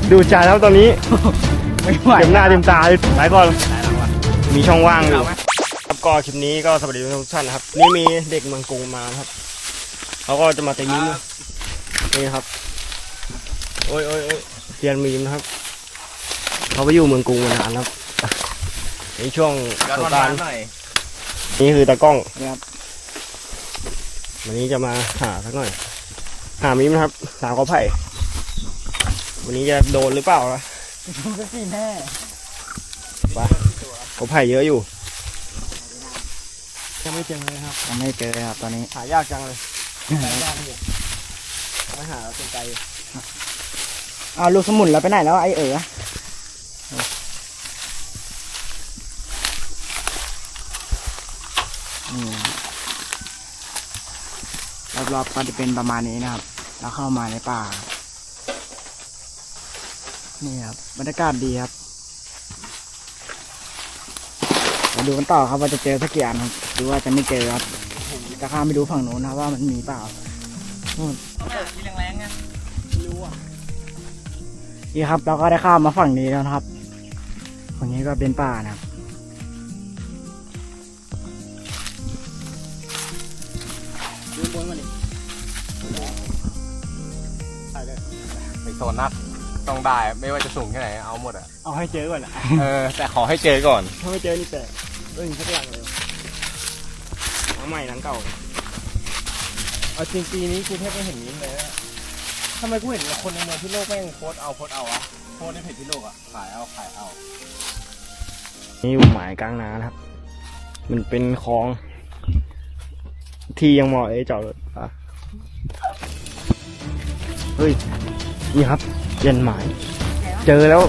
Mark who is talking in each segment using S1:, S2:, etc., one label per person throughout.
S1: ดูจ่ายแล้วตอนนี้
S2: ไม่ไหว
S1: เต็มหน้าเต็มตาหลายก่อนมีช่องว่างอยู่ครับก็คลิปนี้ก็สวัสดีทุกท่านนะครับนี่มีเด็กเมืองกรุงมาครับเขาก็จะมาตีมีมนี่ครับโอ้ยเรียนมีมนะครับเขาไปอยู่เมืองกรุงมานานครับในช่วงสงกรานต์นี่คือตากล้องวันนี้จะมาหาสักหน่อยหามีมนะครับสาวกอไผ่วันนี้จะโดนหรือเปล่าล่ะ
S2: ก็สิแน่
S1: ไปกอไผ่เยอะอยู่ยังไม่เจอเลยครับ
S2: ยังไม่เจอครับตอนนี้
S1: หายากจังเลยไม่หาเป็นไกล
S2: เอาลูกสมุนเราไปไหนแล้วไอ้รอบๆก็จะเป็นประมาณนี้นะครับเราเข้ามาในป่านี่ครับบรรยากาศดีครับมาดูกันต่อครับว่าจะเจอสักกี่อันครับหรือว่าจะไม่เจอครับจะข้ามไปดูฝั่งโน้นนะว่ามันมีเปล่านู่นที่แรงๆไงไม่รู้อ่ะนี่ครับเราก็ได้ข้ามมาฝั่งนี้แล้วนะครับฝั่งนี้ก็เป็นป่านะครับดูบนมาดิ
S3: ไปโซนนักต้องได้ไม่ว่าจะสูงแค่ไหนเอาหมดอ่ะ
S1: เอาให้เจอก่อนนะ
S3: แต่ขอให้เจอก่อน
S1: ถ้าไม่เจอนี่แต่สักหลังเลยทั้งใหม่ทั้งเก่า
S3: เอาจริงปีนี้กูแทบไม่เห็นนี้เลยทำไมกูเห็นคนในเมืองพิโลกแม่งโพสเอาอะโพสในเพจพิโลกอะขายเอา
S1: นี่อยู่หมายกลางนานะครับมันเป็นคลองที่ยังเหมาะจอดรถอ่ะเฮ้ยนี่ครับเย็นหมายเจอแล้ว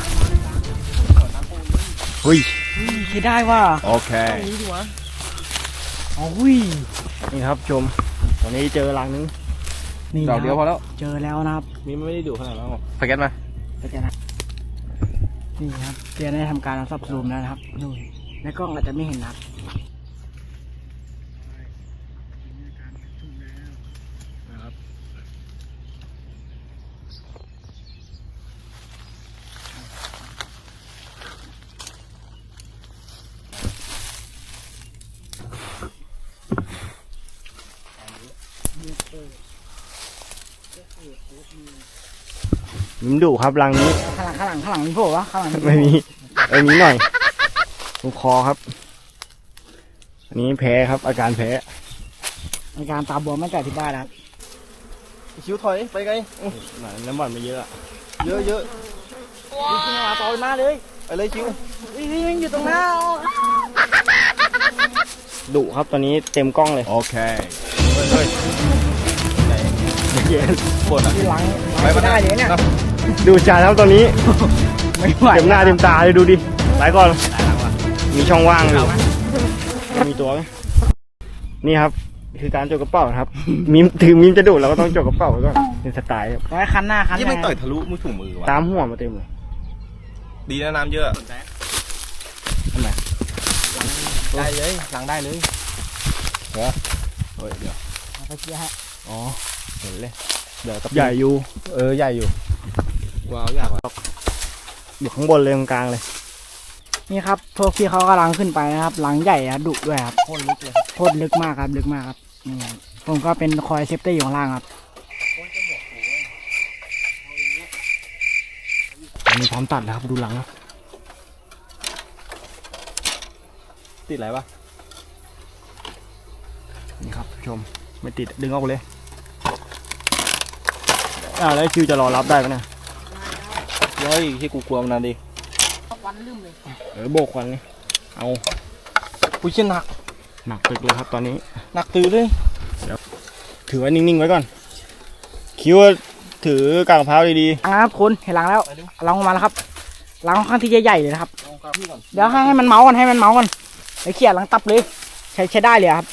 S1: เฮ้ย
S2: คิดได้ว่า
S3: โอเค
S2: โอ้ย
S1: นี่ครับชมตอนนี้เจอรังนึง
S2: นี่
S3: ดอกเดียวพอแล้ว
S2: เจอแล้วนะครับ
S1: มีไม่ได้ดูขนาดนั้นหรอก
S3: สเก็ตมา
S2: ก็จะนะนี่ครับเตียได้ทำการเอาซับซูมแล้วนะครับนู่นในกล้องอาจจะไม่เห็นนะครับ
S1: มิมดุครับรังนี้
S2: ข้างหลังมีโผล่ปะข้างหลัง
S1: ไม่มีหน่อยตรงคอครับอันนี้แพ้ครับอาการแพ้
S2: ในการตาบวมไม่แต่ที่บ้านนะครับ
S3: คิ้วถอยไปไง
S1: น้ำมันไม่เยอะอะ
S3: เยอะ
S2: นี่ขึ้นมาต่อยมาเลย
S3: ไปเลยคิ้ว
S2: นี่มันอยู่ตรงหน้า
S1: ดุครับตอนนี้เต็มกล้องเลย
S3: โอเคเฮ้ย
S1: เย็น
S3: ปวดอ่ะ
S2: ที่หลัง
S3: ไป
S2: ไม่ได้เลยเนี่ย
S1: ดูจ่ายแล้วตอนนี้
S2: ไม่ไหว
S1: เต็มหน้าเต็มตาเลยดูดิหลายก่อนมีช่องว่างอยู่มีตัวไหมนี่ครับคือการจกกระเป๋าครับมิมถึงมิมจะดุเราก็ต้องจกกระเป๋าไว้ก่อนเป็นสไตล์ครับ
S2: ไว้คันหน้าคัน
S3: ยี่
S2: ห
S3: ไม่
S2: น้า
S3: ต่อยทะลุมือถุงมือวะ
S1: ตามหัวมาเต็มเลย
S3: ดีนะน้ำเยอะ
S1: ทำไม
S3: ได้เลยหลังได้เลยเดี๋ยว
S2: ไปเชียร์ฮะ
S3: อ๋อเห็นเลยเดี๋ยวกับ
S1: ใหญ่อยู่
S3: ใหญ่อยู่ว้าวใหญ่กว่า
S1: อยู่ข้างบนเลยตรงกลางเลย
S2: นี่ครับพวกพี่เขากำลังขึ้นไปนะครับหลังใหญ่อะดุด้วยครับ
S3: โคตรลึกเลย
S2: โคตรลึกมากครับลึกมากครับนี่ครับผมก็เป็นคอยเซฟตี้อยู่ข้างล่างครับ
S1: มีพร้อมตัดนะครับดูหลังครับ
S3: ติดอะไรปะ
S1: นี่ครับชมไม่ติดดึงออกเลยแล้วคิวจะรอรับได้ไหมเนี่ย
S3: เฮ้ยที่กูกลัวมันนานดิ
S1: โบกควันนี่เอา
S3: กูเชี่ยหนัก
S1: หนักตึกเลยครับตอนนี้
S3: หนักตื้อเลย
S1: ถือไว้นิ่งๆไว้ก่อนคิวถือกางมะพร้าวดี
S2: หลังนะครับคุณเห็นหลังแล้วหลังออกมาแล้วครับหลังค่อนข้างที่จะใหญ่เลยนะครับ
S3: ลองกราบพี่ก่อน
S2: เดี๋ยวให้มันเมาส์กันให้มันเมาส์กันไอ้เขี่ยหลังตับเลยใช้ได้เลยครับ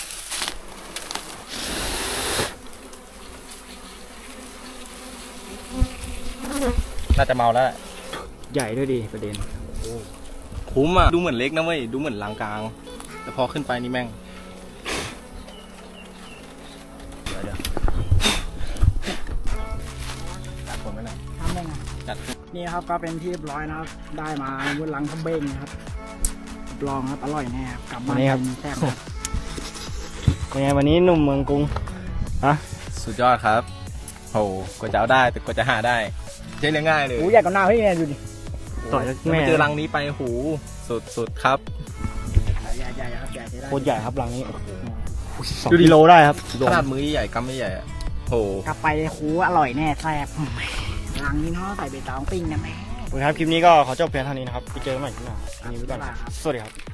S3: น่าจะเมาแล้วแหละ
S1: ๆใหญ่ด้วยดีประเด็น
S3: คุ้มอ่ะดูเหมือนเล็กนะเว้ยดูเหมือนลางกลางแต่พอขึ้นไปนี่แม่ง เดี๋ยวจัดคนไว้หน่อย
S2: ทำได้ไง
S3: จัด
S2: นี่ครับก็เป็นที่เรียบร้อยนะครับ ได้มาบนหลังกระเบงนะครับรับรองครับอร่อยแน่ครับกลับมาแซ่บครับ
S1: เป็นไงวันนี้หนุ่มเมืองกรุงฮะ
S3: สุดยอดครับโหกว่าจะเอาได้แต่กว่าจะหาได้ใช่เรื่องง่ายเลย
S2: โอ้ยใหญ่กว่าหน้าพี่เนี่ยดูดิ
S1: ต่อย
S3: แม่
S1: แม่
S3: เจอรังนี้ไปหูสุดครับ
S2: ใหญ่ครับใหญ่ใช้ได้
S1: โคตรใหญ่ครับรังนี้2
S3: ดูดิ
S1: กิโลได้ครับ
S3: ขนาดมือใหญ่กำไม่ใหญ่อะโห
S2: กลับไปคูอร่อยแน่แซ่บหลังนี้เนาะใส่ใบตองปิ้งนะแม่
S1: โอเคครับคลิปนี้ก็ขอจบเพียงเท่านี้นะครับไปเจอกันใหม่คลิปหน้าอันนี้ไปก่อน
S2: บ๊ายบายครับ
S1: สวัสดีครับ